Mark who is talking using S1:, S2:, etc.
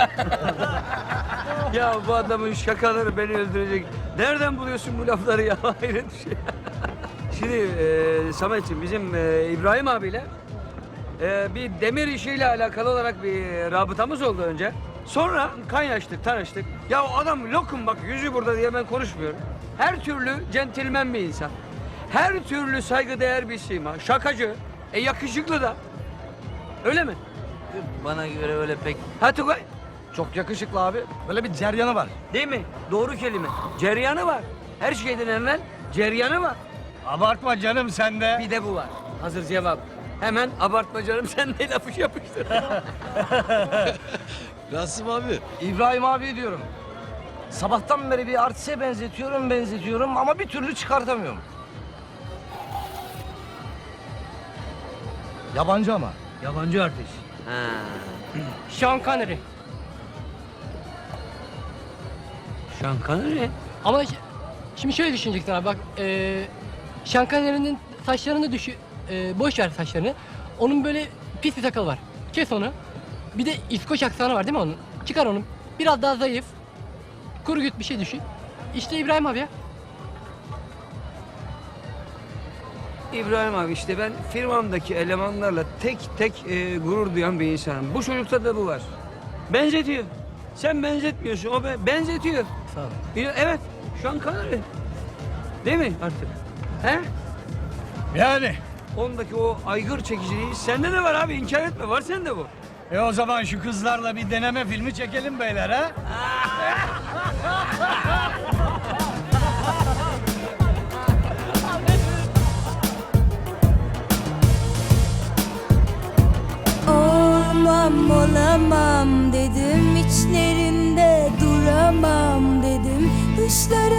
S1: Ya bu adamın şakaları beni öldürecek. Nereden buluyorsun bu lafları ya? Hayret bir şey. Şimdi Sametciğim bizim İbrahim abiyle bir demir işiyle alakalı olarak bir rabıtamız oldu önce. Sonra kaynaştık, tanıştık. Ya o adam lokum bak yüzü burada diye ben konuşmuyorum. Her türlü centilmen bir insan. Her türlü saygıdeğer bir sima. Şakacı, yakışıklı da. Öyle mi?
S2: Bana göre öyle pek...
S1: Ha Tugay?
S3: Çok yakışıklı abi. Böyle bir ceryanı var.
S1: Değil mi? Doğru kelime. Ceryanı var. Her şeyden evvel ceryanı var.
S3: Abartma canım sen de.
S1: Bir de bu var. Hazır cevap. Hemen abartma canım sen de lafı yapıştır.
S4: Rasim abi.
S3: İbrahim abi diyorum. Sabahtan beri bir artiste benzetiyorum ama bir türlü çıkartamıyorum. Yabancı ama.
S1: Yabancı artist.
S2: Ha.
S5: Sean Connery.
S1: Sean Connery.
S5: Ama şimdi şöyle düşüneceksin abi bak. Sean Connery'nin saçlarını boş ver saçlarını. Onun böyle pis bir sakalı var. Kes onu. Bir de İskoç aksanı var değil mi onun? Çıkar onu. Biraz daha zayıf. Kuru güt bir şey düşün. İşte İbrahim abi ya.
S1: İbrahim abi işte ben firmamdaki elemanlarla tek tek gurur duyan bir insanım. Bu çocukta da bu var. Benzetiyor. Sen benzetmiyorsun o benzetiyor.
S5: Sağ ol.
S1: Evet. Sean Connery. Değil mi artık? He?
S3: Yani.
S1: Ondaki o aygır çekiciliği sende de var abi inkar etme var sende bu.
S3: O zaman şu kızlarla bir deneme filmi çekelim beyler ha.
S6: Olmam olamam dedim, içlerinde duramam dedim. Dışları